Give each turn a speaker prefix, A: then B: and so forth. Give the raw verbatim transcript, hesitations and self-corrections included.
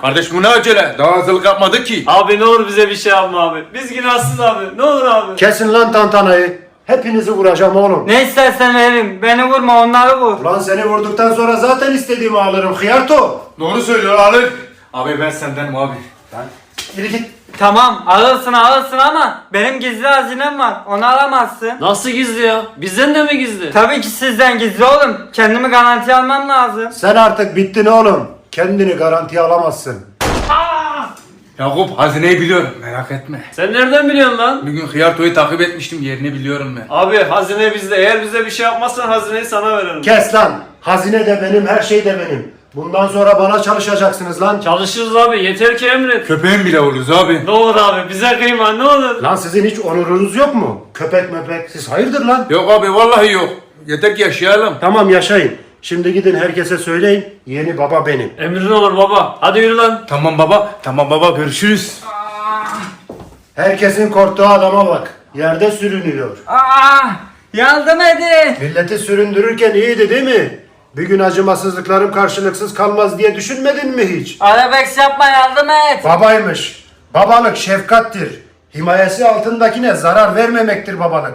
A: Kardeş bu ne acele? Daha hazırlık yapmadık ki.
B: Abi ne olur bize bir şey yapma abi. Biz günahsız abi. Ne olur abi.
C: Kesin lan tantanayı. Hepinizi vuracağım oğlum.
D: Ne istersen veririm. Beni vurma, onları vur.
C: Ulan seni vurduktan sonra zaten istediğimi alırım hıyarto.
A: Doğru söylüyor alır. Abi ben sendenim abi.
C: Yürü git.
D: Tamam, alırsın alırsın ama benim gizli hazinem var. Onu alamazsın.
B: Nasıl gizli ya? Bizden de mi gizli?
D: Tabii ki sizden gizli oğlum. Kendimi garantiye almam lazım.
C: Sen artık bittin oğlum. Kendini garantiye alamazsın.
A: Yakup hazineyi biliyorum merak etme.
B: Sen nereden biliyorsun lan?
A: Bir gün Hıyarto'yu takip etmiştim yerini biliyorum ben.
B: Abi hazine bizde. Eğer bize bir şey yapmazsan hazineyi sana veririm.
C: Kes lan. Hazine de benim, her şey de benim. Bundan sonra bana çalışacaksınız lan.
B: Çalışırız abi. Yeter ki emret.
A: Köpeğin bile oluruz abi.
B: Ne olur abi bize kıyma ne olur.
C: Lan sizin hiç onurunuz yok mu? Köpek möpek. Siz hayırdır lan?
A: Yok abi vallahi yok. Yeter ki yaşayalım.
C: Tamam yaşayın. Şimdi gidin herkese söyleyin. Yeni baba benim.
B: Emrin olur baba. Hadi yürü lan.
A: Tamam baba. Tamam baba görüşürüz.
C: Herkesin korktuğu adama bak. Yerde sürünüyor.
D: Aa, yardım edin.
C: Milleti süründürürken iyiydi değil mi? Bir gün acımasızlıklarım karşılıksız kalmaz diye düşünmedin mi hiç?
D: Arabex yapma, yardım et.
C: Babaymış. Babalık şefkattir. Himayesi altındakine zarar vermemektir babalık.